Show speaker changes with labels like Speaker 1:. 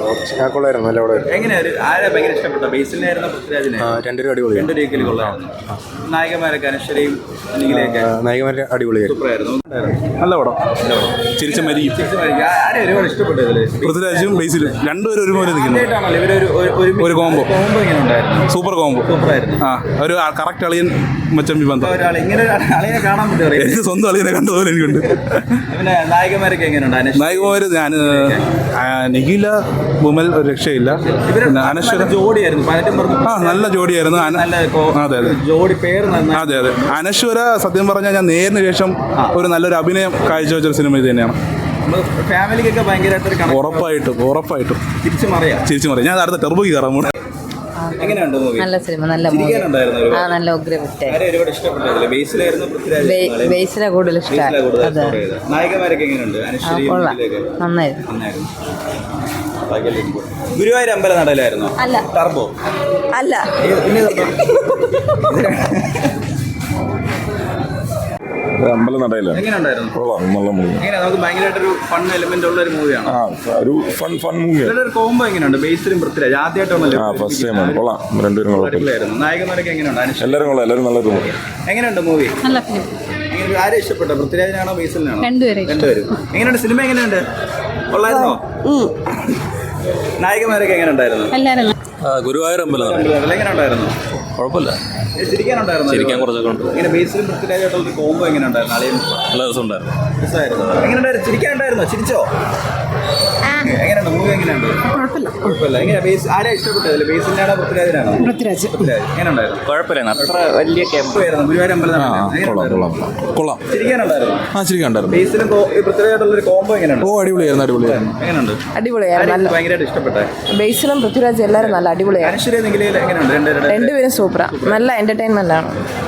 Speaker 1: കൊള്ളായിരുന്നു, നല്ല പടം.
Speaker 2: എങ്ങനെയാണ് ആരെ ഭയങ്കര ഇഷ്ടപ്പെട്ട? ബേസിലായിരുന്നു പൃഥ്വിരാജിനെ?
Speaker 1: രണ്ടുപേരും അടിപൊളിയാണ്.
Speaker 2: രണ്ട് രീതിയിൽ കൊള്ളായിരുന്നു. നായകന്മാരൊക്കെ അനശ്വരയും അനികിലൊക്കെ
Speaker 1: നായകന്മാരെ അടിപൊളിയായിരുന്നു.
Speaker 2: സൂപ്പറായിരുന്നു.
Speaker 3: നല്ല പടം. ചിരിച്ച മരിയും
Speaker 2: ആരെ ഒരുപാട് ഇഷ്ടപ്പെട്ടു ഇതില്?
Speaker 3: പൃഥ്വിരാജും ബേസിലും രണ്ടുപേരും ഒരുപോലെ നിൽക്കുന്നു.
Speaker 2: ആയിട്ടാണല്ലോ ഇവരൊരു
Speaker 3: ഒരു കോംബോ
Speaker 2: എങ്ങനെ ഉണ്ടായിരുന്നു?
Speaker 3: Super combo.
Speaker 2: സൂപ്പറായിരുന്നു.
Speaker 3: ആ ഒരു കറക്റ്റ് അളിയൻ മച്ചമ്പി ബന്ധം.
Speaker 2: ഒരാൾ ഇങ്ങനെ അളിയെ കാണാൻ പറ്റുമോ?
Speaker 3: എനിക്ക് സ്വന്തം അളിയനെ കണ്ടതുപോലെ എനിക്കുണ്ട്.
Speaker 2: പിന്നെ നായകന്മാരൊക്കെ എങ്ങനെയുണ്ട്?
Speaker 3: നായകന്മാര് ഞാൻ നിഖില വിമൽ ഒരു രക്ഷയില്ല. പിന്നെ അനശ്വര
Speaker 2: ജോഡിയായിരുന്നു. പലരും പറഞ്ഞു
Speaker 3: നല്ല ജോഡിയായിരുന്നു.
Speaker 2: അതെ ജോഡി പേര്
Speaker 3: അതെ അതെ. അനശ്വര സത്യം പറഞ്ഞാൽ ഞാൻ നേരിന് ശേഷം ഒരു നല്ലൊരു അഭിനയം കാഴ്ചവെച്ചൊരു സിനിമ ഇത് തന്നെയാണ്.
Speaker 2: ഫാമിലിക്കൊക്കെ ഭയങ്കരമായിട്ട്
Speaker 3: ഉറപ്പായിട്ടും
Speaker 2: തിരിച്ചു മറിയാം.
Speaker 3: ഞാൻ അടുത്ത ടെർബോയ്ക്ക് കയറാൻ പോണേ.
Speaker 2: എങ്ങനെയുണ്ട് മൂവി?
Speaker 4: നല്ല സിനിമ, നല്ല മൂവി. നല്ല ഉഗ്രവിറ്റ്.
Speaker 2: ഒരുപാട് ഇഷ്ടപ്പെട്ടത് ബേസിലായിരുന്നു പൃഥ്വിരാജ്?
Speaker 4: ബേസിലെ കൂടുതൽ ഇഷ്ടമായി.
Speaker 2: നായകന്മാരൊക്കെ എങ്ങനെയുണ്ട്?
Speaker 4: നന്നായിരുന്നു.
Speaker 2: ഗുരുവായൂർ അമ്പല നടയിലായിരുന്നോ?
Speaker 4: അല്ല.
Speaker 2: ടർബോ
Speaker 4: അല്ല.
Speaker 5: അമ്പലം നടയിലാണ്.
Speaker 2: എങ്ങനെയുണ്ടായിരുന്നു?
Speaker 5: നല്ല മൂവി.
Speaker 2: എങ്ങനെ നമുക്ക് ഭയങ്കരമായിട്ടൊരു ഫൺ എലിമെന്റ് ഉള്ള ഒരു മൂവിയാണ്.
Speaker 5: ഒരു ഫൺ മൂവിയാണ്.
Speaker 2: ഒരു കോംബോ എങ്ങനെയുണ്ട്? ബേസിലും പൃഥ്വിരാജ് ആദ്യമായിട്ടാണല്ലോ.
Speaker 5: ഫസ്റ്റ് ടൈമാണ്. കൊള്ളാം. രണ്ടുപേരും കുഴപ്പമില്ലായിരുന്നു.
Speaker 2: നായകന്മാരൊക്കെ എങ്ങനെയുണ്ട്?
Speaker 5: എല്ലാവരും കൊള്ളാം. എല്ലാവരും നല്ലൊരു മൂവി.
Speaker 2: എങ്ങനെയുണ്ട് മൂവി?
Speaker 4: നല്ല ഫിലിം.
Speaker 2: ആരെ ഇഷ്ടപ്പെട്ട? പൃഥ്വിരാജിനാണോ ബേസിലിനാണോ?
Speaker 4: രണ്ടുപേരും.
Speaker 2: എങ്ങനെയുണ്ട് സിനിമ? എങ്ങനെയുണ്ട്? കൊള്ളായിരുന്നോ? നായകന്മാരൊക്കെ എങ്ങനെ ഉണ്ടായിരുന്നു?
Speaker 4: എല്ലാവരും.
Speaker 6: ഗുരുവായൂർ അമ്പലം
Speaker 2: എങ്ങനെ ഉണ്ടായിരുന്നു?
Speaker 6: കുഴപ്പമില്ല.
Speaker 2: ചിരിക്കാനുണ്ടായിരുന്നു.
Speaker 6: ചിരിക്കാൻ കുറച്ചൊക്കെ ഉണ്ട്.
Speaker 2: ഇങ്ങനെ ബേസിലും പൃഥ്വിരാജായിട്ടുള്ള കോംബോ എങ്ങനെ ഉണ്ടായിരുന്നു?
Speaker 6: നല്ല രസമുണ്ടായിരുന്നു.
Speaker 2: എങ്ങനെയുണ്ടായിരുന്നു? ചിരിക്കാനുണ്ടായിരുന്നോ? ചിരിച്ചോ? എങ്ങനെയുണ്ട് മൂവി? എങ്ങനെയുണ്ട്? കുഴപ്പമില്ല. എങ്ങനെ ബേസ് ആരാ ഇഷ്ടപ്പെട്ടത്? ബേസിലാണോ പൃഥ്വിരാജിനാണോ?
Speaker 4: പൃഥ്വിരാജ്.
Speaker 2: എങ്ങനെ ഉണ്ടായിരുന്നു?
Speaker 6: കുഴപ്പമില്ല. അത്ര വലിയ
Speaker 2: ആയിരുന്നു ഗുരുവായൂർ അമ്പലം.
Speaker 3: കൊള്ളാം.
Speaker 2: ചിരിക്കാനുണ്ടായിരുന്നു.
Speaker 3: ചിരിക്കാനുണ്ടായിരുന്നു.
Speaker 2: ബേസിലും പൃഥ്വിരാജായിട്ടുള്ള ഒരു കോംബോ എങ്ങനെയുണ്ട്?
Speaker 3: അടിപൊളിയായിരുന്നു.
Speaker 2: എങ്ങനെയുണ്ട്?
Speaker 4: അടിപൊളിയായിരുന്നു.
Speaker 2: ഭയങ്കരമായിട്ട് ഇഷ്ടപ്പെട്ടെ
Speaker 4: ബേസിലും പൃഥ്വിരാജ് എല്ലാവരും നല്ല അടിപൊളിയാണ്.
Speaker 2: അനശ്വര നിഖിലയിൽ എങ്ങനെയുണ്ട്?
Speaker 4: രണ്ടുപേരും സൂപ്പറാണ്. നല്ല എന്റർടൈൻമെന്റ് ആണ്.